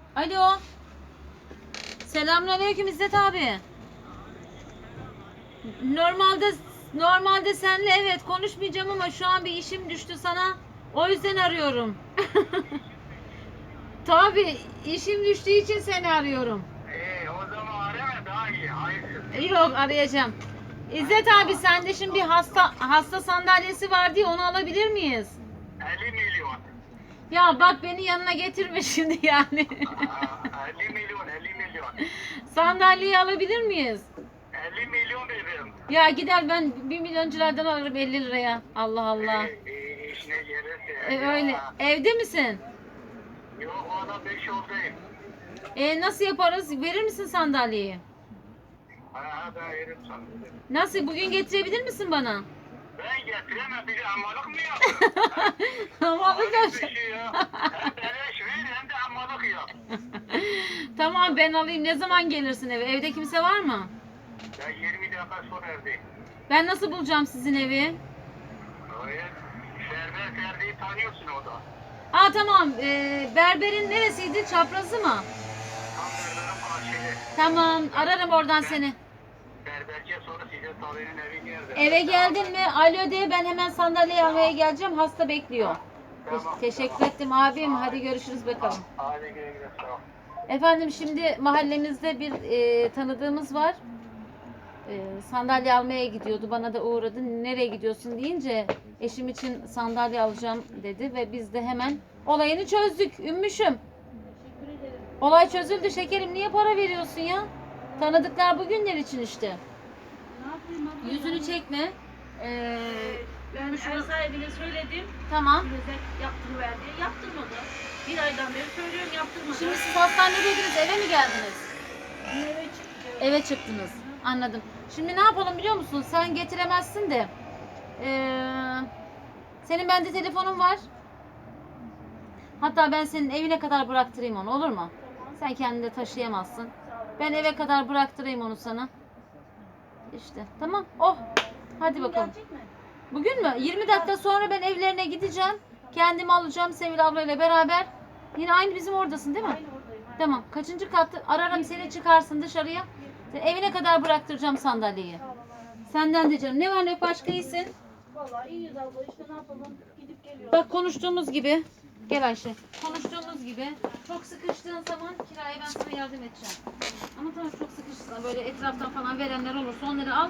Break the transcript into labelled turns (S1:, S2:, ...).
S1: Alo. Selamünaleyküm İzzet abi. Normalde seninle evet konuşmayacağım ama şu an bir işim düştü sana. O yüzden arıyorum. Tabii işim düştüğü için seni arıyorum.
S2: O zaman arama daha iyi. Hayırsın.
S1: Yok arayacağım. İzzet abi sende şimdi bir hasta sandalyesi var diye onu alabilir miyiz?
S2: 50 milyon.
S1: Ya bak beni yanına getirme şimdi yani.
S2: 50 milyon, 50 milyon.
S1: Sandalyeyi alabilir miyiz?
S2: 50 milyon dedim.
S1: Ya gider ben 1 milyonculardan alırım 50 liraya. Allah Allah.
S2: İşine gelirse.
S1: Öyle. Evde misin?
S2: Yok o adam 5 yoldayım.
S1: Nasıl yaparız? Verir misin sandalyeyi?
S2: Ben yerim sana.
S1: Nasıl? Bugün getirebilir misin bana?
S2: Ben getiremem. Bir de ammalık mı yaptın?
S1: Tamam
S2: Bir
S1: hocam.
S2: şey ya. Hem beleş ver hem de ammalık yap.
S1: Tamam ben alayım. Ne zaman gelirsin eve? Evde kimse var mı?
S2: Ben 20 dakika sonra evdeyim.
S1: Ben nasıl bulacağım sizin evi?
S2: Öyle. Server Ferdi'yi tanıyorsun o da.
S1: Aa tamam. Berberin neresiydi? Çaprazı mı?
S2: Tam berberin karşıda.
S1: Tamam. Ararım oradan seni.
S2: Berberce sonra size Tavi'nin evi nerede?
S1: Eve geldin mi? Alo de ben hemen sandalye almaya geleceğim. Hasta bekliyor.
S2: Tamam,
S1: Teşekkür
S2: tamam.
S1: ettim abim. Hadi görüşürüz bakalım.
S2: Hadi güle güle. Sağ ol.
S1: Efendim şimdi mahallemizde bir tanıdığımız var. Sandalye almaya gidiyordu. Bana da uğradı. Nereye gidiyorsun deyince eşim için sandalye alacağım dedi ve biz de hemen olayını çözdük. Ümmüşüm. Olay çözüldü şekerim. Niye para veriyorsun ya? Tanıdıklar bugünler için işte. Yüzünü çekme.
S3: Ben ev sahibine söyledim.
S1: Tamam.
S3: Bize yaptırıver diye. Yaptırmadı. Bir aydan beri söylüyorum yaptırmadı.
S1: Şimdi siz hastanedeydiniz. Eve mi geldiniz?
S3: eve çıktı.
S1: Eve çıktınız. Anladım. Şimdi ne yapalım biliyor musun? Sen getiremezsin de. Senin bende telefonun var. Hatta ben senin evine kadar bıraktırayım onu olur mu? Sen kendin de taşıyamazsın. Ben eve kadar bıraktırayım onu sana. İşte tamam. Oh. Hadi bakalım.
S3: Gelecek mi?
S1: Bugün mü? 20 dakika sonra ben evlerine gideceğim. Kendimi alacağım Sevil ablayla beraber. Yine aynı bizim oradasın değil mi?
S3: Aynı oradayım.
S1: Tamam. Kaçıncı katta? Ararım seni çıkarsın dışarıya. Evine kadar bıraktıracağım sandalyeyi.
S3: Sağ ol Allah'ım.
S1: Senden de canım. Ne var ne yok başka iyisin?
S3: Vallahi iyiyiz abla işte ne yapalım. Gidip geliyoruz.
S1: Bak konuştuğumuz gibi. Gel Ayşe. Konuştuğumuz gibi. Çok sıkıştığın zaman kiraya ben sana yardım edeceğim. Ama tamam çok sıkıştığında böyle etraftan falan verenler olursa onları al.